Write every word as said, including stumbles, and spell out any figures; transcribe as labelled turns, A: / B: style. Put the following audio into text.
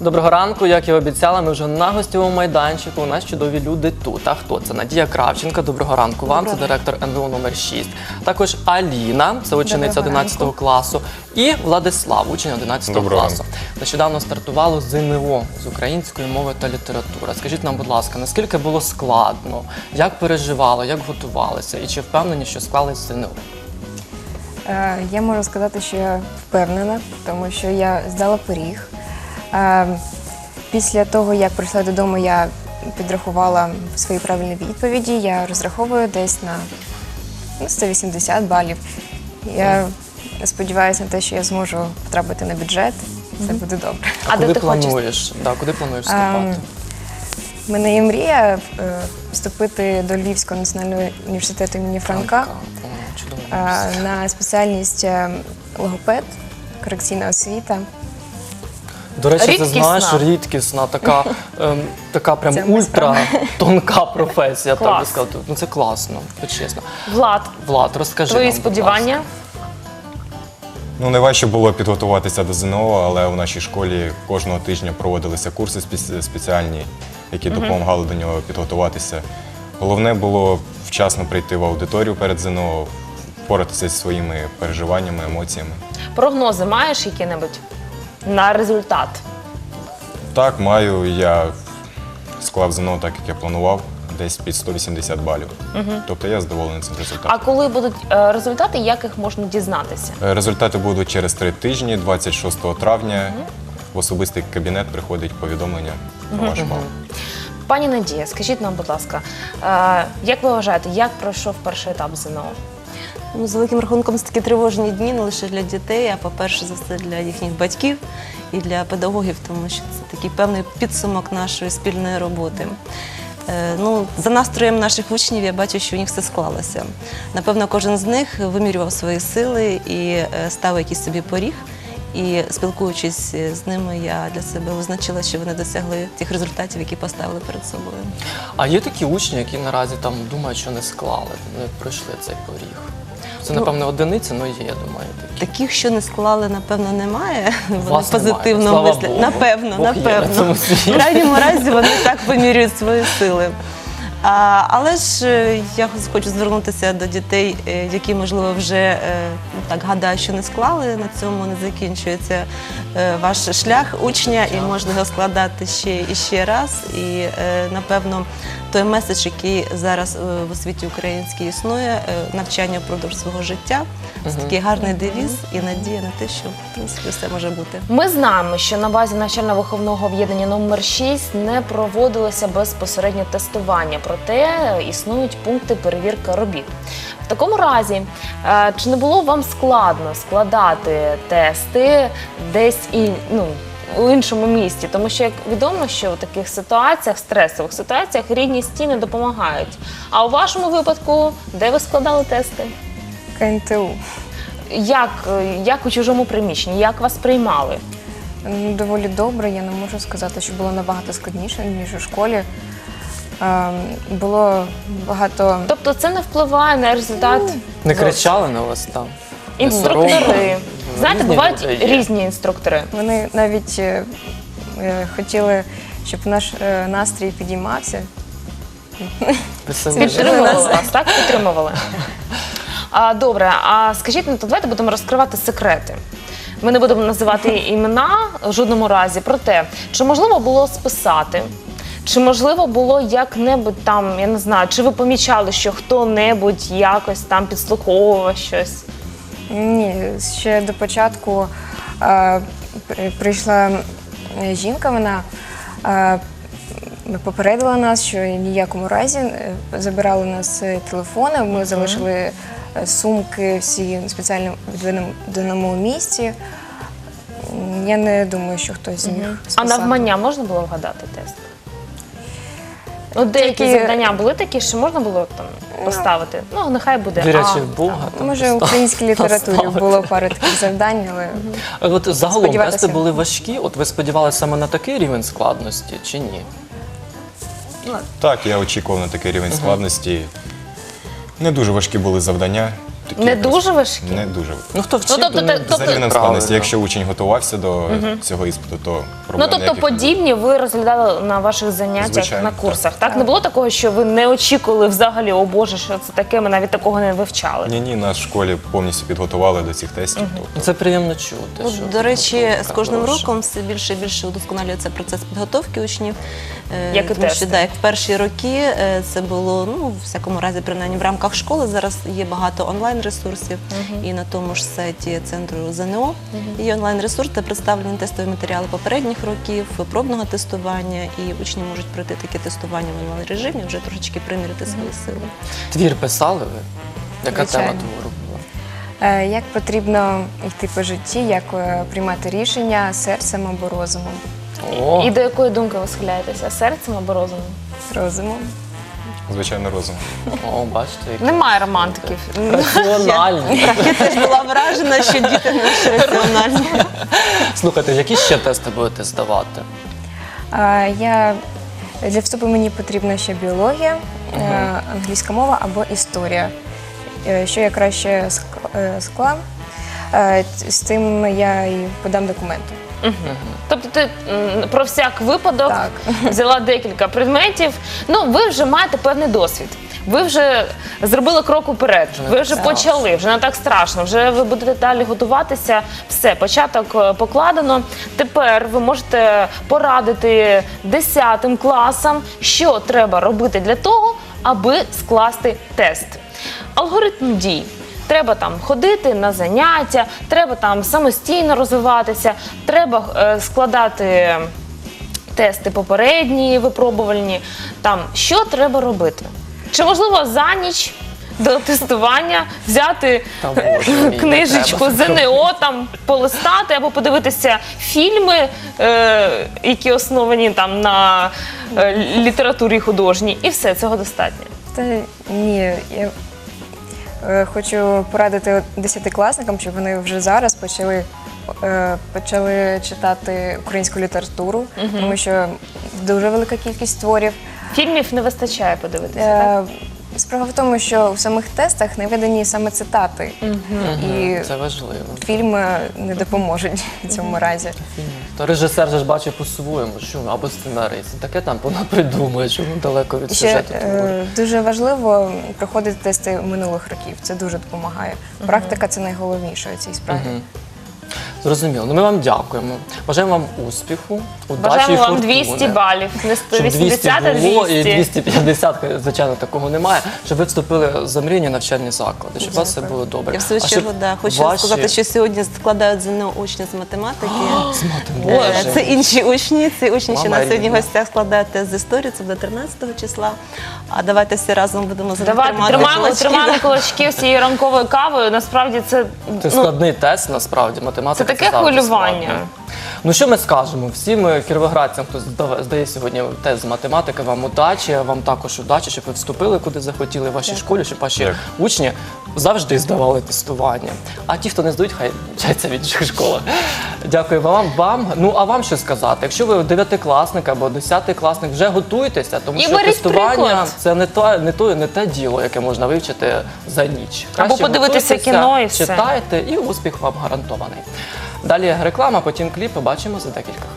A: Доброго ранку, як і обіцяла, ми вже на гостьовому майданчику. У нас чудові люди тут. А хто це? Надія Кравченка. Доброго ранку вам, це директор ен ве у номер шість. Також Аліна, це учениця одинадцятого класу. І Владислав, учень одинадцятого класу. Нещодавно стартувало зе ен о, з української мови та літератури. Скажіть нам, будь ласка, наскільки було складно, як переживали, як готувалися і чи впевнені, що склались зе ен о?
B: Я можу сказати, що я впевнена, тому що я здала пиріг. Після того, як прийшла додому, я підрахувала свої правильні відповіді. Я розраховую десь на ну, сто вісімдесят балів. Я сподіваюся на те, що я зможу потрапити на бюджет. Це буде добре.
A: А, а куди ти плануєш? Да, куди плануєш вступати?
B: У мене є мрія вступити до Львівського національного університету імені Франка. На спеціальність логопед, корекційна освіта.
A: До речі, рідкісна. Ти знаєш, рідкісна, така, ем, така прям ультра тонка професія, так би сказати. Ну це класно, чесно.
C: Влад,
A: Влад, розкажи
C: твої
A: нам,
C: сподівання?
D: Ну, найважче було підготуватися до зе ен о, але в нашій школі кожного тижня проводилися курси спеціальні, які угу. допомагали до нього підготуватися. Головне було вчасно прийти в аудиторію перед зе ен о, впоратися зі своїми переживаннями, емоціями.
C: Прогнози маєш які-небудь на результат?
D: Так, маю. Я склав зе ен о так, як я планував, десь під сто вісімдесят балів. Угу. Тобто я задоволений цим результатом.
C: А коли будуть е, результати, як їх можна дізнатися?
D: Результати будуть через три тижні, двадцять шостого травня. Угу. В особистий кабінет приходить повідомлення про угу. ваш бал.
C: Пані Надія, скажіть нам, будь ласка, е, як ви вважаєте, як пройшов перший етап зе ен о?
E: Ну, з великим рахунком, це такі тривожні дні не лише для дітей, а по-перше за все для їхніх батьків і для педагогів, тому що це такий певний підсумок нашої спільної роботи. Е, ну, за настроєм наших учнів я бачу, що у них все склалося. Напевно, кожен з них вимірював свої сили і е, ставив якийсь собі поріг. І спілкуючись з ними, я для себе визначила, що вони досягли тих результатів, які поставили перед собою.
A: А є такі учні, які наразі там думають, що не склали, не пройшли цей поріг? Це, ну, напевно, одиниці, але є, я думаю. Такі.
E: Таких, що не склали, напевно, немає.
A: Вони
E: позитивно мислять. Напевно,
A: Бог
E: напевно. В крайньому разі вони так вимірюють свої сили. А, але ж я хочу звернутися до дітей, які, можливо, вже так гадають, що не склали. На цьому не закінчується ваш шлях учня і можна його складати ще і ще раз. І, напевно, той меседж, який зараз в освіті українській існує, навчання впродовж свого життя, це такий гарний девіз і надія на те, що, в принципі, все може бути.
C: Ми знаємо, що на базі навчально-виховного об'єднання номер шість не проводилося безпосередньо тестування, проте існують пункти перевірки робіт. В такому разі, чи не було вам складно складати тести десь і, ну, у іншому місті? Тому що, як відомо, що в таких ситуаціях, стресових ситуаціях, рідні стіни допомагають. А у вашому випадку, де ви складали тести?
B: ка ен те у.
C: Як, як у чужому приміщенні? Як вас приймали?
B: Доволі добре, я не можу сказати, що було набагато складніше, ніж у школі. Було багато...
C: Тобто це не впливає на результат? Ну,
A: не кричали на вас там?
C: Інструктори. Знаєте,
A: різні
C: бувають
A: люди
C: різні інструктори.
B: Вони навіть е, хотіли, щоб наш е, настрій підіймався.
C: Підтримували вас, так? Підтримували. А, добре, а скажіть, ну, то давайте будемо розкривати секрети. Ми не будемо називати імена в жодному разі, проте, чи можливо було списати, чи можливо було як-небудь там, я не знаю, чи ви помічали, що хто-небудь якось там підслуховував щось?
B: Ні, ще до початку е, прийшла жінка, вона е, попередила нас, що в ніякому разі забирали у нас телефони, ми залишили сумки всі в спеціально відведеному місці. Я не думаю, що хтось з них списав.
C: А навмання можна було вгадати тест? Ну, деякі Тільки... завдання були такі, що можна було там поставити. Ну, нехай буде.
A: Вірячи в Бога.
B: Може, в українській літературі було пару таких завдань, але...
A: От загалом тести були важкі? От ви сподівалися саме на такий рівень складності чи ні?
D: Так, я очікував на такий рівень складності. Не дуже важкі були завдання. такі
C: Не
D: якось
C: дуже важкі?
D: Не дуже.
A: Ну хто вчив,
C: тобто
A: то не
C: те- тобто-
D: За рівнем
A: правильно.
D: складності, якщо учень готувався до цього іспиту, то
C: Ну,
D: проблем
C: тобто
D: ніяких не було.
C: подібні ви розглядали на ваших заняттях,
D: Звичайно,
C: на
D: так.
C: курсах, так? Не було такого, що ви не очікували взагалі, о Боже, що це таке, ми навіть такого не вивчали?
D: Ні, ні, нас в школі повністю підготували до цих тестів. тобто
A: Це приємно чути.
E: Ну,
A: що
E: до речі,
A: підготовка
E: з кожним
A: хороша.
E: роком все більше і більше удосконалюється процес підготовки учнів. Е,
C: Як і
E: тому
C: тести.
E: що, да, як в перші роки е, це було, ну, в всякому разі, принаймні в рамках школи. Зараз є багато онлайн-ресурсів. І на тому ж сайті центру ЗНО є онлайн-ресурс, де представлені тестові матеріали попередніх років, пробного тестування. І учні можуть пройти таке тестування в онлайн-режимі, вже трошечки приміряти свої сили.
A: Твір писали ви? Яка
B: Звичайно.
A: тема твору була?
B: Е, Як потрібно йти по житті, як е, приймати рішення серцем або розумом?
A: О,
C: І до якої думки ви схиляєтеся? Серцем або розумом?
B: Розумом.
D: Звичайно, розум.
A: о, бачите, які
C: Немає романтиків.
A: раціональні.
E: Я теж була вражена, що діти не раціональні.
A: Слухайте, які ще тести будете здавати?
B: Е, Я для вступу мені потрібна ще біологія, е, англійська мова або історія. Е, Що я краще ск- е, склав, е, т- з тим я і подам документи.
C: Тобто ти м, про всяк випадок
B: Так.
C: взяла декілька предметів. Ну, ви вже маєте певний досвід. Ви вже зробили крок уперед, ви вже почали, вже не так страшно, вже ви будете далі готуватися. Все, початок е, покладено. Тепер ви можете порадити десятим класам, що треба робити для того, аби скласти тест. Алгоритм дій. Треба там ходити на заняття, треба там самостійно розвиватися, треба е, складати тести попередні, випробувальні. Там що треба робити? Чи можливо за ніч до тестування взяти
A: Та, Боже мій, не
C: книжечку
A: треба.
C: ЗНО, там полистати або подивитися фільми, е, які основані там на е, літературі художній, і все, цього достатньо.
B: Та ні, я е, хочу порадити десятикласникам, щоб вони вже зараз почали, е, почали читати українську літературу, тому що дуже велика кількість творів.
C: Фільмів не вистачає подивитися, так?
B: Е, Справа в тому, що у самих тестах не видані саме цитати, і
A: Це важливо.
B: фільми не допоможуть в цьому разі.
A: То режисер же ж бачить по-своєму, що або сценарист. Таке там вона придумує, що воно далеко від
B: І ще
A: сюжету твору.
B: е, дуже важливо проходити тести минулих років. Це дуже допомагає. Практика це найголовніше у цій справі.
A: Зрозуміло. Ну ми вам дякуємо. Бажаємо вам успіху, удачі і
C: Бажаємо вам
A: фортуни.
C: двісті балів, не сто
A: Щоб
C: вісімдесят, а
A: двісті було і
C: двісті.
A: двісті п'ятдесят, звичайно, такого немає. Щоб ви вступили за мрійні навчальні заклади, щоб у вас все було добре.
E: Я в свою
A: А
E: чергу
A: щоб
E: да, хочу
A: ваші-
E: сказати, що сьогодні складають ЗНО учні з математики.
A: З математики.
E: Е, Це інші учні, це учні, що
A: Мама
E: на сьогодні в
A: рідна.
E: гостях складають тест з історії, це буде тринадцятого числа. А давайте всі разом будемо за них
C: Давайте
E: тримати
C: тримаємо,
E: кулачки,
C: тримаємо
E: да.
C: кулачки з цією ранковою кавою. Насправді це,
A: Це
C: ну,
A: складний тест, насправді, математика.
C: це таке
A: завжди
C: хвилювання.
A: складно. Ну що ми скажемо? Всім кіровоградцям, хто здав- здає сьогодні тест з математики, вам удачі, вам також удачі, щоб ви вступили куди захотіли в вашій школі, щоб ваші
D: Дякую.
A: учні завжди здавали тестування. А ті, хто не здають, хай вчаться в інших школах. Дякую вам. вам. Ну а вам що сказати? Якщо ви дев'ятикласник або десятикласник, вже готуйтеся, тому
C: І
A: що
C: беріть
A: тестування
C: приклад.
A: це не то, не то, не те діло, яке можна вивчити за ніч.
C: Або
A: Краще
C: подивитися
A: готуйтеся,
C: кіно і все.
A: читайте, і успіх вам гарантований. Далі реклама, потім кліп. Побачимо за декілька хвилин.